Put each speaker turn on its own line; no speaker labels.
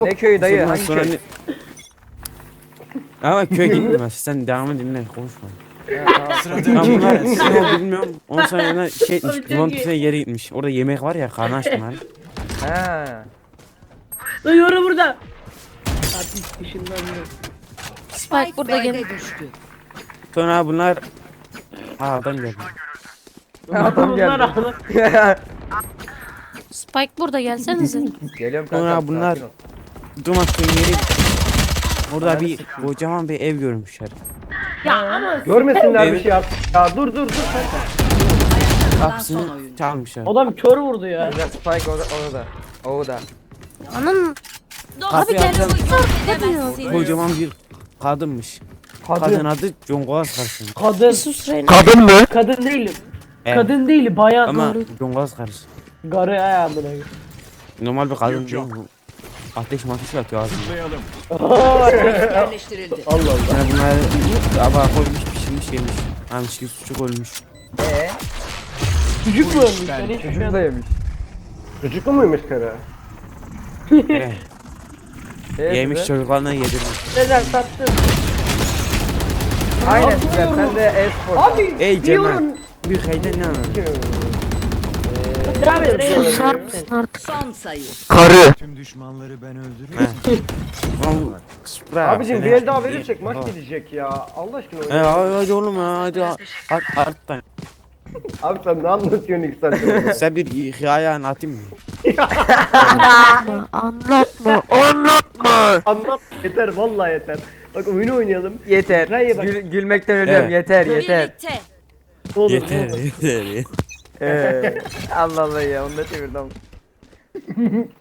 Ne köyü dayı?
Ondan
Hangi
sonra
köy?
Ama köy gitmez. Sen devamı dinle konuşma.
Ya, tamam.
Ben
Sıradaki
bunlar
gelsin.
ne oldu bilmiyorum. Ondan sonra yana şey
Abi çok
limon
iyi.
tüfeği yere gitmiş. Orada yemek var ya karnı açtım hani.
Ha.
Lan yoru burada. Artık ışınlandı.
Spike burada gel.
Sonra bunlar adam geldi.
Adam
Bunlar
geldi.
ağlar.
Spike burada gelsenize.
Geliyorum
Sonra
kanka.
bunlar
sakin ol.
Dumak'ın yere gitmiş. Orada bir kocaman bir ev görmüşler.
Ya ama
Görmesinler bir şey yap. Ya dur kanka.
Kapısını çalmışlar.
adam kör vurdu ya.
Güzel Spike orada. Orada.
Anam. Abi
Kapıyı
gel.
açan
Ne diyor?
kocaman bir kadınmış. Kadın adı Congolas karşı.
Kadın.
Sus Reyna.
Kadın değilim.
Evet.
Kadın değil bayan.
Ama Congolas karşı.
Garı ayağımına.
Normal bir kadın değil bu. Ateş mateş atıyor ağzında.
Yerleştirildi.
Yani bunlar tabağa koymuş pişirmiş yemiş. Hani çiğ sucuk ölmüş.
Çocuk mu ölmüş? Ben hiç
Çocuk da yemiş.
Çocuklu muymuş kara?
Yemiş
güzel.
çocuklarına yedirmiş.
Neler sattın?
Aynen güzel. Sen de e-spor.
Abi
Ey
diyorum.
Cemal. Bir hayden ne anladın?
Devam et.
Susar mısın artık?
Son sayı.
Tüm düşmanları ben öldürüyorum.
Oğlum, Supra,
Abicim
seni-
bir el daha verirsek maç
Tamam.
gidecek ya. Allah aşkına
He
oyna.
hadi oğlum ya hadi arttan.
Abi sen ne anlatıyorsun ilk saattir?
Sen bir hikaye anlatayım mı?
Anlatma.
Anlat yeter vallahi yeter. Bak oyunu oynayalım.
Yeter.
Hayır, bak.
Gülmekten ölüyorum.
Evet.
Yeter yeter.
Birlikte.
Olur,
Yeter
olur.
yeter.
Allah Allah ya. Onu da çevirdim.